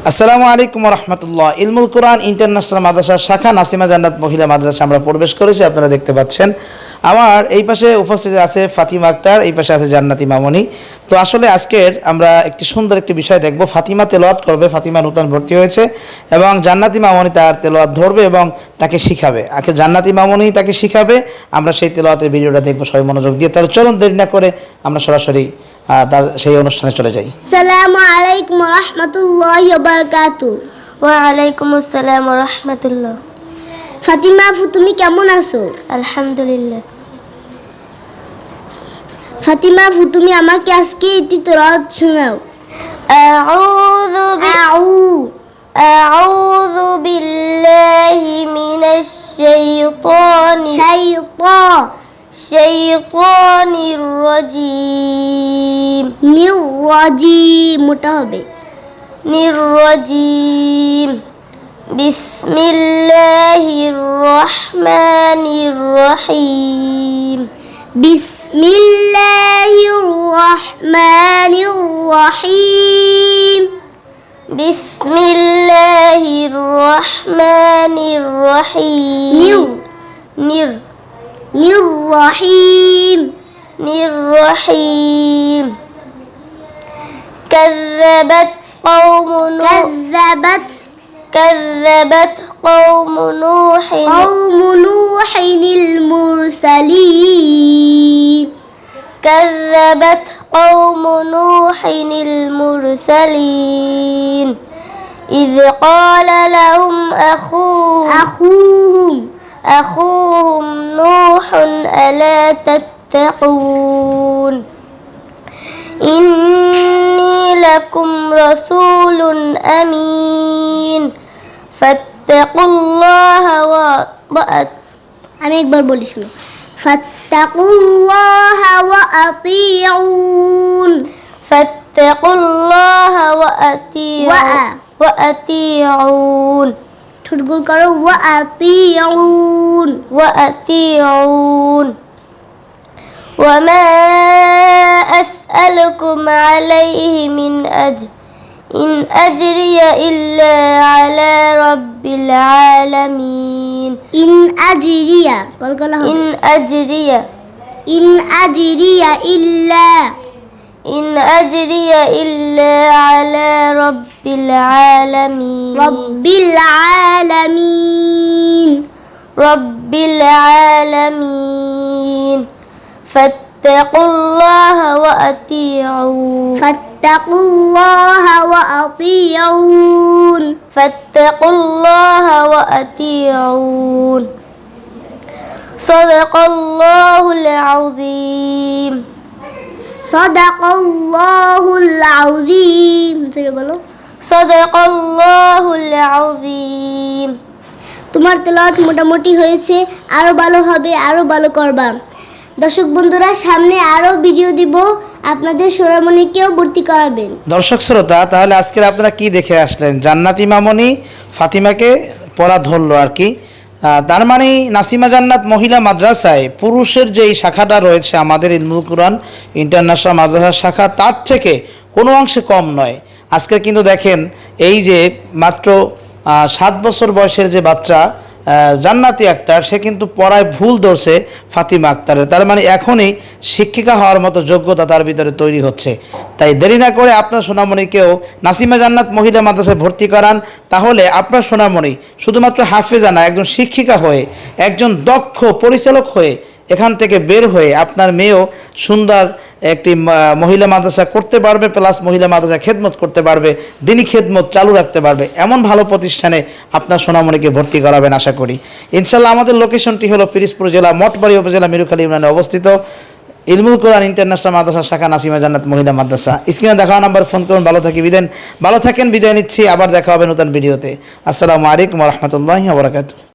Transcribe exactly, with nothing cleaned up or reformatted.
আসসালামু আলাইকুম ওয়া রাহমাতুল্লাহ। ইলমুল কোরআন ইন্টারন্যাশনাল মাদ্রাসা শাখা নাসিমা জান্নাত মহিলা মাদ্রাসা আমরা প্রবেশ করেছি, আপনারা দেখতে পাচ্ছেন। আমার এই পাশে উপস্থিত আছে ফাতিমা আক্তার, এই পাশে আছে জান্নাতি মামনি। তো আসলে আজকের আমরা একটি সুন্দর একটি বিষয় দেখব। ফাতিমা তেলাওয়াত করবে, ফাতিমা নতুন ভর্তি হয়েছে, এবং জান্নাতি মামনি তার তেলাওয়াত ধরবে এবং তাকে শিখাবে। আগে জান্নাতি মামনি তাকে শিখাবে, আমরা সেই তেলাওয়াতের ভিডিওটা দেখবো সবাই মনোযোগ দিয়ে। তাহলে চলুন দেরি না করে আমরা সরাসরি তার সেই অনুষ্ঠানে চলে যাই। আসসালামু আলাইকুম ওয়া রাহমাতুল্লাহি ওয়া বারাকাতুহু। ওয়া আলাইকুম আসসালাম ওয়া রাহমাতুল্লাহ। ফাতিমা আপু, তুমি কেমন আছো? আলহামদুলিল্লাহ। ফাতিমা আপু, তুমি আমাকে আজকে একটি তেলাওয়াত শোনাও। আউযু আউ আউযু বিল্লাহি মিনাশ শাইতানি শাইতা শাইতানির রাজীম নিরজিম, মোটা হবে। নিরজিম বিসমিল্লাহির রহমানির রহিম বিসমিল্লাহির রহমানির রহিম বিসমিল্লাহির রহমানির রহিম নির নির নিররহিম নিররহিম كذبت قوم نوح كذبت كذبت قوم نوح قوم نوح المرسلين كذبت قوم نوح المرسلين إذ قال لهم أخوهم أخوهم أخوهم نوح ألا تتقون إني لكم رسول أمين فاتقوا الله وأطيعون আমি একবার বলি, শুনো। ফাত্তাকুল্লাহা ওয়া আতিউন فاتقوا الله وأطيعون وأطيعون ঠোঁট গোল করো। ওয়া আতিউন وأطيعون وما أسألكم عليه من أجر إن أجري إلا على رب العالمين ইন আজরিয়া কল কলা হবে। إن أجري ইন আজরিয়া ইল্লা إن أجري إلا على رب العالمين রব্বিল আলামিন رب العالمين فاتقوا الله وأطيعون ফাত্তাকুল্লাহা ওয়া আতিউন فاتقوا الله وأطيعون صدق الله العظيم সাদাকাল্লাহুল আযীম। তুমি বলো। صدق الله العظيم তোমার তেলাওয়াত মোটামুটি হয়েছে, আরো ভালো হবে, আরো ভালো করবা। দর্শক বন্ধুরা, সামনে আরো ভিডিও দিব, আপনাদের সোনামণিকেও ভর্তি করাবেন। দর্শক শ্রোতা, তাহলে আজকের আপনারা কি দেখে আসলেন? জান্নাতি মামনি ফাতিমাকে পড়া ধরলো আর কি। তার মানে নাসিমা জান্নাত মহিলা মাদ্রাসায় পুরুষের যেই শাখাটা রয়েছে আমাদের ইলমুল কোরআন ইন্টারন্যাশনাল মাদ্রাসার শাখা, তার থেকে কোনো অংশে কম নয়। আজকে কিন্তু দেখেন, এই যে মাত্র সাত বছর বয়সের যে বাচ্চা জান্নাতি আক্তার, সে কিন্তু পড়ায় ভুল ধরছে ফাতিমা আক্তারের। তার মানে এখনই শিক্ষিকা হওয়ার মতো যোগ্যতা তার ভিতরে তৈরি হচ্ছে। তাই দেরি না করে আপনার সোনামণিকেও নাসিমা জান্নাত মহিলা মাদ্রাসায় ভর্তি করান। তাহলে আপনার সোনামণি শুধুমাত্র হাফেজা না, একজন শিক্ষিকা হয়ে, একজন দক্ষ পরিচালক হয়ে, এখান থেকে বের হয়ে আপনার মেয়েও সুন্দর একটি মহিলা মাদ্রাসা করতে পারবে, প্লাস মহিলা মাদ্রাসা খেদমত করতে পারবে, দিনী খেদমত চালু রাখতে পারবে। এমন ভালো প্রতিষ্ঠানে আপনার সোনামণিকে ভর্তি করাবেন আশা করি ইনশাল্লাহ। আমাদের লোকেশনটি হলো পিরিজপুর জেলা মঠবাড়ি উপজেলা মিরুখালী ইউনিয়নে অবস্থিত ইলমুল কোরআন ইন্টারন্যাশনাল মাদ্রাসা শাখা নাসিমা জান্নাত মহিলা মাদ্রাসা। স্ক্রিনে দেখা নাম্বার ফোন করুন। ভালো থাকি বিদেন ভালো থাকেন, বিদায় নিচ্ছি। আবার দেখা হবে নতুন ভিডিওতে। আসসালামু আলাইকুম ওয়া রাহমাতুল্লাহি ওয়া বারাকাতুহু।